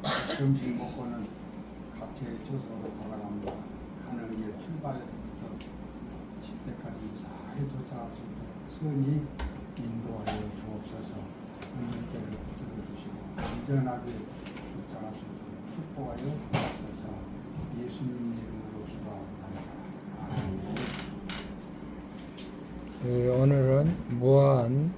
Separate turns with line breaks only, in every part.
점심 먹고는 각지의 저속으로 돌아갑니다. 가는 길 출발해서부터 집회까지 무사히 도착할 수 있도록 선히 인도하여 주옵소서. 하나님께를 붙들어 주시고 안전하게 도착할 수 있도록 축복하여 주옵소서. 예수님 이름으로 기도합니다.
오늘은 무안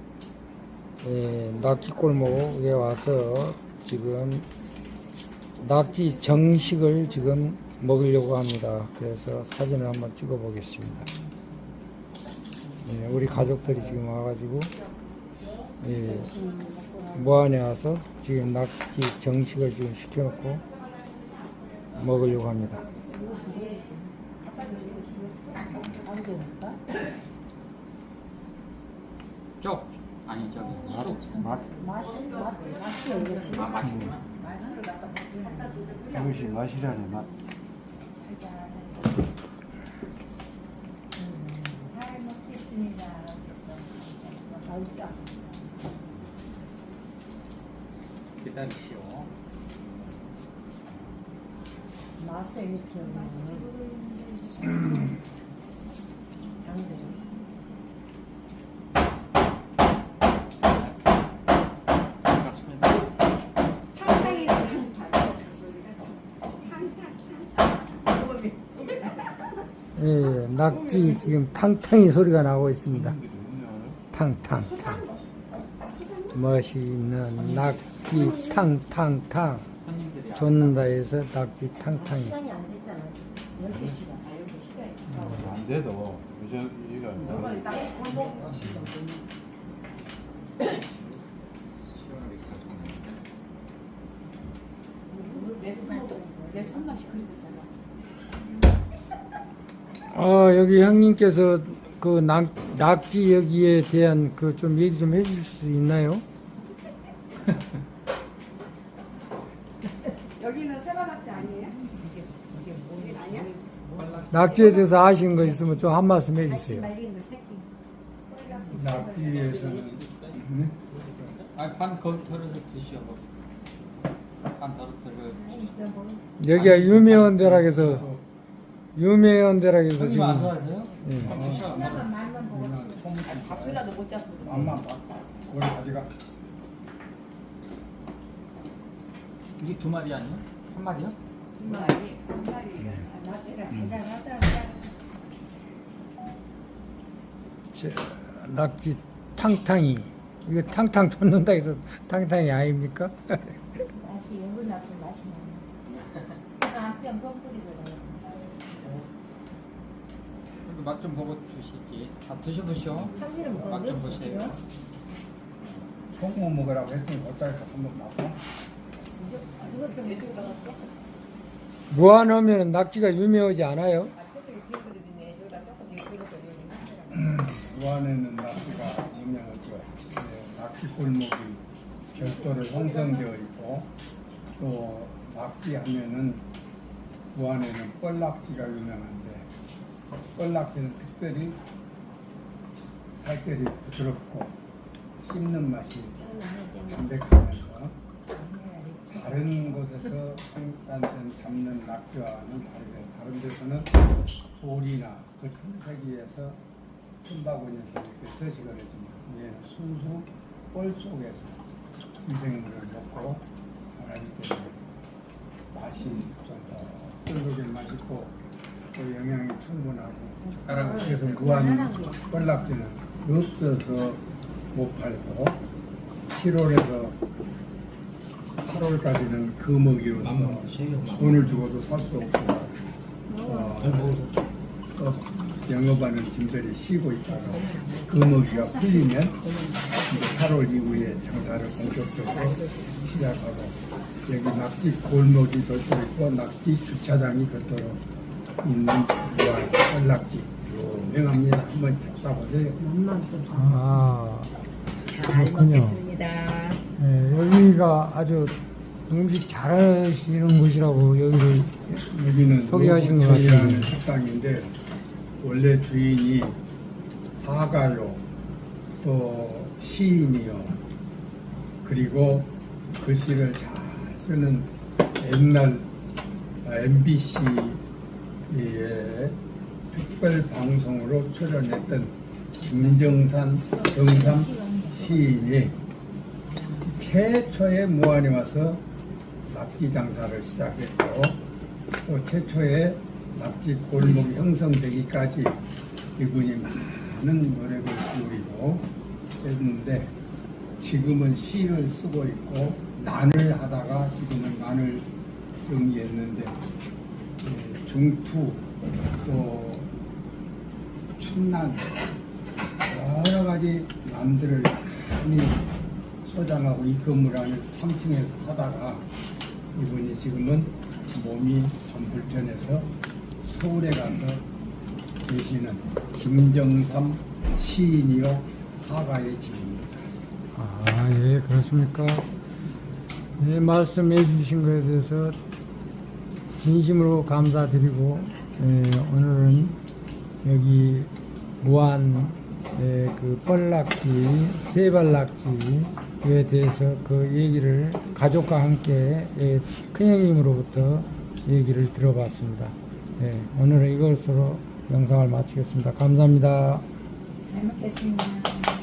낙지골목에 와서 지금 낙지 정식을 지금 먹으려고 합니다. 그래서 사진을 한번 찍어 보겠습니다. 우리 가족들이 지금 와가지고 무안에 와서 지금 낙지 정식을 지금 시켜놓고 먹으려고 합니다.
쪽 아니 저기
맛이
맛이구나.
이것이 맛이라네 맛.
잘 먹겠습니다.
기다리시오.
맛을 이렇게 장들.
반갑습니다.
낙지 지금 탕탕이 소리가 나고 있습니다. 탕탕탕. 멋있는 낙지 탕탕탕.
손님들이
줬는다 해서 낙지 탕탕이.
시간이 안 됐잖아. 12시간.
안 돼도 요즘 이거
시원하게 사주네.
내 손맛이 그렇게
여기 형님께서 그 낙지 여기에 대한 그 좀 얘기 좀 해주실 수 있나요?
여기는 세바낙지 아니에요?
이게
아니야?
낙지에 대해서 아시는 거 있으면 좀 한 말씀 해주세요.
말린 거 새끼.
낙지에서는
아반 덜어서 드시오. 반 덜어서.
여기가 유명한 데라 해서 유명한 데라 해서
손님
지금
안 좋아하세요?
예.
반 드셔.
하나만 말만 보고
밥술라도 못 잡고.
엄마 우리 가지가
이게 두 마리 아니야? 한 마리요?
두 마리, 한 마리. 낙지가 자잘하다.
낙지 탕탕이 이거 탕탕 줬는다 해서 탕탕이 아닙니까?
맛이 여기 낙지 맛이 나네. 한병 손뿌리거든.
맛 좀 보고 주시지. 다 드셔보시오.
참기름
맛 좀
넣었어
보세요.
지금?
소금 먹으라고 했으니 어차피 한번 먹고
이거 좀 이렇게 넣었어?
무안하면 낙지가 유명하지 않아요?
무안에는 낙지가 유명하죠. 낙지 골목이 별도로 형성되어 있고 또 낙지 하면은 무안에는 뻘낙지가 유명한데 뻘낙지는 특별히 살결이 부드럽고 씹는 맛이 담백하면서 다른 곳에서 생산된 잡는 낙지와는 다르게 다른 데서는 돌이나 그 틈새기에서 틈바구니에서 이렇게 서식을 해줍니다. 얘는 순수 뻘 속에서 미생물을 먹고 자라기 때문에 맛이 좀더 쫄깃 맛있고 또 영양이 충분하고 그래서 무한 뻘낙지는 없어서 못 팔고 7월에서 8월까지는 그 먹이로서 돈을 주고도 살 수 없어서 또 영업하는 짐들이 쉬고 있다가 그 먹이가 풀리면 이제 8월 이후에 장사를 본격적으로 시작하고 여기 낙지 골목이 별도로 있고 낙지 주차장이 별도로 있는 뻘낙지 유명합니다. 한번 잡숴보세요.
아,
잘
그렇군요.
먹겠습니다.
여기가 아주 음식 잘하시는 곳이라고 여기를
여기는
소개하신 것
노부천이라는
같은데.
식당인데 원래 주인이 화가요 또 시인이요 그리고 글씨를 잘 쓰는 옛날 MBC의 특별 방송으로 출연했던 김정삼 시인이 최초의 무안에 와서 낙지 장사를 시작했고 또 최초의 낙지 골목이 형성되기까지 이분이 많은 노력을 기울이고 했는데 지금은 시를 쓰고 있고 난을 하다가 지금은 난을 정리했는데 중투 또 춘난 여러 가지 난들을 많이 소장하고 이 건물 안에서 3층에서 하다가 이분이 지금은 몸이 좀 불편해서 서울에 가서 계시는 김정삼 시인이요 화가의 집입니다.
아, 예, 그렇습니까? 네, 말씀해 주신 것에 대해서 진심으로 감사드리고, 오늘은 여기 무안 그 뻘낙지, 세발낙지에 대해서 그 얘기를 가족과 함께 큰형님으로부터 얘기를 들어봤습니다. 오늘은 이것으로 영상을 마치겠습니다. 감사합니다.
잘 먹겠습니다.